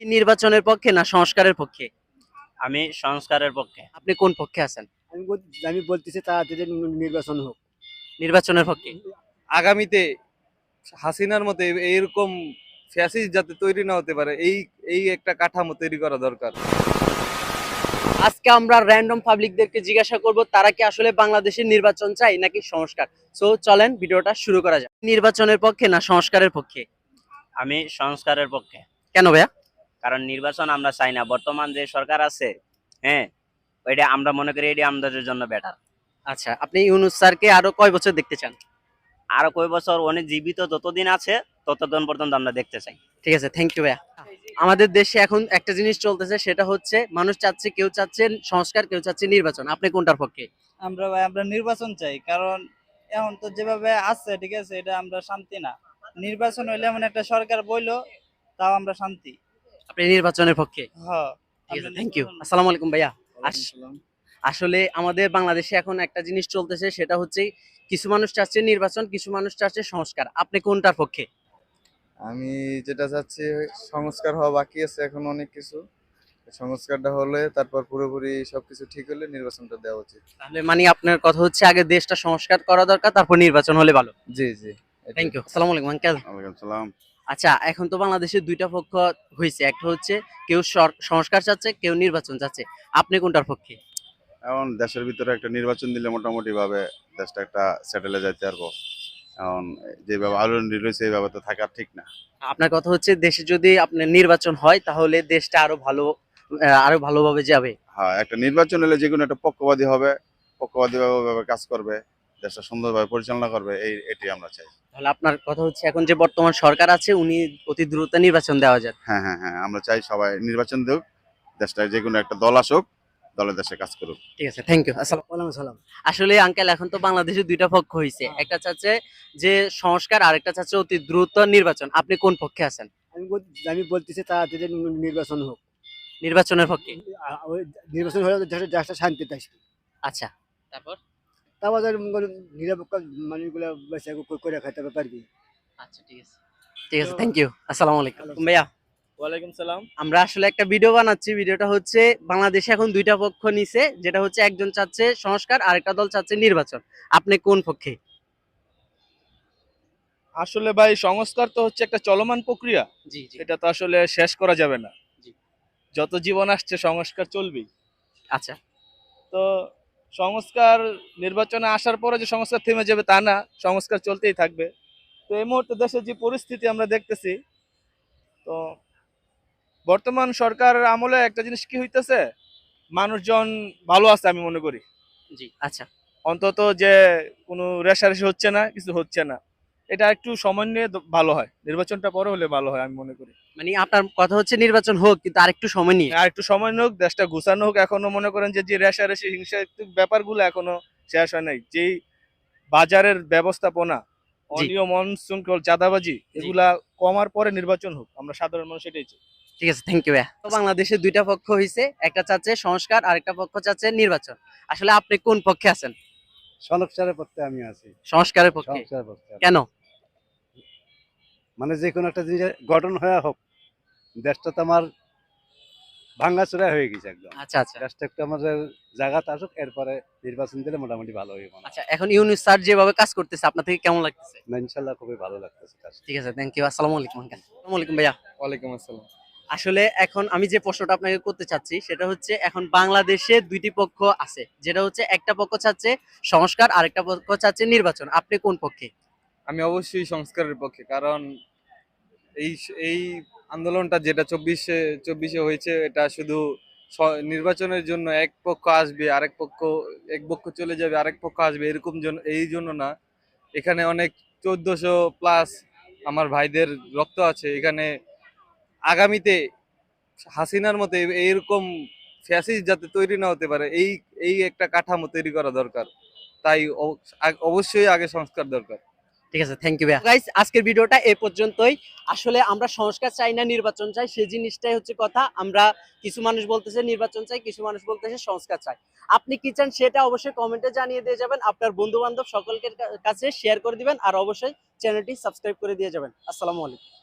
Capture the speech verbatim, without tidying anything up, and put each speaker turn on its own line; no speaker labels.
নির্বাচনের পক্ষে না সংস্কারের পক্ষে?
আমি সংস্কারের পক্ষে।
আপনি কোন পক্ষে আছেন?
আমি বল আমি বলতেছি তাড়াতাড়ি নি- নির্বাচন হোক।
নির্বাচনের পক্ষে।
আগামীতে হাসিনার মতো এ- এইরকম ফ্যাসিস্ট যাতে তৈরি না হতে পারে, এই এই একটা কাঠামো তৈরি করা দরকার।
আজকে আমরা র্যান্ডম পাবলিকদেরকে জিজ্ঞাসা করব তারা কি আসলে বাংলাদেশের নির্বাচন চাই নাকি সংস্কার। সো চলেন ভিডিওটা শুরু করা যাক। নির্বাচনের পক্ষে না সংস্কারের পক্ষে?
আমি সংস্কারের পক্ষে।
কেন ভাইয়া?
কারণ নির্বাচন আমরা চাই না। বর্তমান যে সরকার আছে, হ্যাঁ, ওইটা আমরা মনে করি এটি আমাদের জন্য বেটার।
আচ্ছা, আপনি ইউনূস স্যারকে আরো কয় বছর দেখতে চান?
আরো কয় বছর অনেক জীবিত যতদিন আছে ততদিন পর্যন্ত আমরা দেখতে চাই।
ঠিক আছে, থ্যাংক ইউ ভাইয়া। আমাদের দেশে এখন একটা জিনিস চলতেছে, সেটা হচ্ছে মানুষ চাচ্ছে, কেউ চাচ্ছে সংস্কার, কেউ চাচ্ছে নির্বাচন। আপনি কোনটার পক্ষে?
আমরা ভাই আমরা নির্বাচন চাই, কারণ এখন তো যেভাবে আছে ঠিক আছে এটা আমরা শান্তি না। নির্বাচন হইলে এমন একটা সরকার বইলো তাও আমরা শান্তি।
আপনি নির্বাচনের পক্ষে?
হ্যাঁ,
ঠিক আছে, থ্যাংক ইউ। আসসালামু আলাইকুম ভাইয়া। আস- আসলে আমাদের বাংলাদেশে এখন একটা জিনিস চলতেছে, সেটা হচ্ছে কিছু মানুষ চাচ্ছে নির্বাচন, কিছু মানুষ চাচ্ছে সংস্কার। আপনি কোনটার পক্ষে?
আমি যেটা চাচ্ছি, সংস্কার হওয়া বাকি আছে এখন অনেক কিছু। সংস্কারটা হলে তারপর পুরোপুরি সবকিছু ঠিক হলে নির্বাচনটা দেওয়া উচিত।
তাহলে মানে আপনার কথা হচ্ছে আগে দেশটা সংস্কার করা দরকার, তারপর নির্বাচন হলে ভালো।
জি জি।
Thank you. আসসালামু আলাইকুম আঙ্কেল।
ওয়ালাইকুম সালাম।
আচ্ছা, এখন তো বাংলাদেশে দুইটা পক্ষ হয়েছে, একটা হচ্ছে কেউ সর- সংস্কার চাচ্ছে, কেউ নির্বাচন চাচ্ছে। আপনি কোনটার পক্ষে?
এখন দেশের ভিতরে একটা নির্বাচন দিলে মোটামুটি ভাবে দেশটা একটা সেটেলে যাইতে পারবো। এখন যেভাবে আলোড়ন রয়েছে এইভাবে তো থাকা ঠিক না।
আপনার কথা হচ্ছে দেশে যদি আপনার নির্বাচন হয় তাহলে দেশটা আরো ভালো, আহ, আরো ভালোভাবে যাবে।
হ্যাঁ, একটা নির্বাচন হলে যে কোনো একটা পক্ষপাতী হবে, পক্ষপাতী ভাবে কাজ করবে, দেশটা সুন্দরভাবে পরিচালনা করবে, এই এটি আমরা চাই।
তাহলে আপনার কথা হচ্ছে এখন যে বর্তমান সরকার আছে উনি অতি দ্রুত নির্বাচন দেওয়া যায়।
হ্যাঁ হ্যাঁ হ্যাঁ, আমরা চাই সবাই নির্বাচন দেখ, দেশটা যে কোনো একটা দল আসুক, দলের দেশে কাজ করুক।
ঠিক আছে, থ্যাংক ইউ। আসসালাম।
ওয়ালাইকুম সালাম।
আসলে আঙ্কেল এখন তো বাংলাদেশে দুইটা পক্ষ হয়েছে, একটা চাচ্ছে যে সংস্কার আর একটা চাচ্ছে অতি দ্রুত নির্বাচন। আপনি কোন পক্ষে আছেন?
আমি বল আমি বলতেছি তাড়াতাড়ি নি- নির্বাচন হোক।
নির্বাচনের পক্ষে।
আ- ওই নির্বাচন হলে দেশে দেশটা শান্তিতে আসবে।
আচ্ছা, তারপর?
তারপর ধর নিরপেক্ষ মানুষগুলো বেঁচে করে খাইতে পারবি।
আচ্ছা, ঠিক আছে, ঠিক আছে, থ্যাংক ইউ। আসসালামু আলাইকুম ভাইয়া।
ওয়ালাইকুম সালাম।
আমরা আসলে একটা ভিডিও বানাচ্ছি, ভিডিওটা হচ্ছে বাংলাদেশে এখন দুইটা পক্ষ নিছে, যেটা হচ্ছে একজন চাচ্ছে সংস্কার আর একটা দল চাচ্ছে নির্বাচন। আপনি কোন পক্ষে?
আসলে ভাই, সংস্কার তো হচ্ছে একটা চলমান প্রক্রিয়া,
জি জি।
এটা তো আসলে শেষ করা যাবে না।
জি।
যত জীবন আসছে সংস্কার চলবেই।
আচ্ছা,
তো সংস্কার নির্বাচনে আসার পরে যে সংস্কার থেমে যাবে তা না, সংস্কার চলতেই থাকবে। তো এই মুহূর্তে দেশের যে পরিস্থিতি আমরা দেখতেছি, তো বর্তমান সরকার আমলে একটা জিনিস কি হইতেছে, মানুষজন ভালো আছে আমি মনে করি।
জি, আচ্ছা।
অন্তত যে কোনো রেশারেশি হচ্ছে না, কিছু হচ্ছে না, এটা একটু সময় নিয়ে দ- ভালো হয়, নির্বাচনটা পরে হলে ভালো হয় আমি মনে করি।
মানে আপনার কথা হচ্ছে নির্বাচন হোক, কিন্তু আরেকটু সময় নিয়ে।
আর একটু সময় হোক, দেশটা গুছানো হোক। এখনো মনে করেন যে যে রেশারেশি হিংসাত্মক ব্যাপারগুলো এখনো শেষ হয় নাই। যেই বাজারের ব্যবস্থাপনা, অনিয়ম অনশৃঙ্খল চাঁদাবাজি, এগুলা কমার পরে নির্বাচন হোক, আমরা সাধারণ মানুষ এটাই চাই।
ঠিক আছে, থ্যাংক ইউ। বাংলাদেশে দুইটা পক্ষ হয়েছে, একটা চাচ্ছে সংস্কার আর একটা পক্ষ চাচ্ছে নির্বাচন। আসলে আপনি কোন পক্ষে আছেন?
সংস্কারের পক্ষে আমি আছি।
সংস্কারের পক্ষে?
সংস্কারের পক্ষে।
কেন?
মানে যে কোনো একটা জিনিস গঠন হয়ে হোক, দেশটা তো আমার ভাঙ্গাচোরা হয়ে গেছে একদম।
আচ্ছা আচ্ছা
দেশটা একটু আমাদের জায়গাতে আসুক, এরপরে নির্বাচন দিলে মোটামুটি ভালো হইব।
আচ্ছা, এখন ইউনূস স্যার যেভাবে কাজ করতেছে আপনার থেকে কেমন লাগতেছে?
না, ইনশাল্লাহ খুবই ভালো লাগতেছে কাজ।
ঠিক আছে, থ্যাংক ইউ। আসসালামু আলাইকুম আঙ্কেল। আসসালামু আলাইকুম ভাইয়া।
ওয়ালাইকুম আসসালাম।
আসলে এখন আমি যে প্রশ্নটা আপনাকে করতে চাচ্ছি সেটা হচ্ছে এখন বাংলাদেশে দুইটি পক্ষ আছে, যেটা হচ্ছে একটা পক্ষ চাচ্ছে সংস্কার আর একটা পক্ষ চাচ্ছে নির্বাচন। আপনি কোন পক্ষে?
আমি অবশ্যই সংস্কারের পক্ষে, কারণ এই এই আন্দোলনটা যেটা চব্বিশে চব্বিশে হয়েছে, এটা শুধু স- নির্বাচনের জন্য এক পক্ষ আসবে, আরেক পক্ষ এক পক্ষ চলে যাবে, আরেক পক্ষ আসবে, এরকম জন্য এই জন্য না। এখানে অনেক চোদ্দশো প্লাস আমার ভাইদের রক্ত আছে এখানে। আগামীতে হাসিনার মতো এ- এইরকম ফ্যাসিস্ট যাতে তৈরি না হতে পারে, এই এই একটা কাঠামো তৈরি করা দরকার। তাই অ- আগ- অবশ্যই আগে সংস্কার দরকার।
ঠিক আছে, থ্যাংক ইউ ভাইয়া। গাইস, আজকের ভিডিওটা এই পর্যন্তই। আসলে আমরা সংস্কার চাই না নির্বাচন চাই, সেই জিনিসটাই হচ্ছে কথা। আমরা কিছু মানুষ বলতেছে নির্বাচন চাই, কিছু মানুষ বলতেছে সংস্কার চাই। আপনি কি চান সেটা অবশ্যই কমেন্টে জানিয়ে দিয়ে যাবেন, আপনার বন্ধু বান্ধব সকলকে কাছে শেয়ার করে দিবেন, আর অবশ্যই চ্যানেলটি সাবস্ক্রাইব করে দিয়ে যাবেন। আসসালামু আলাইকুম।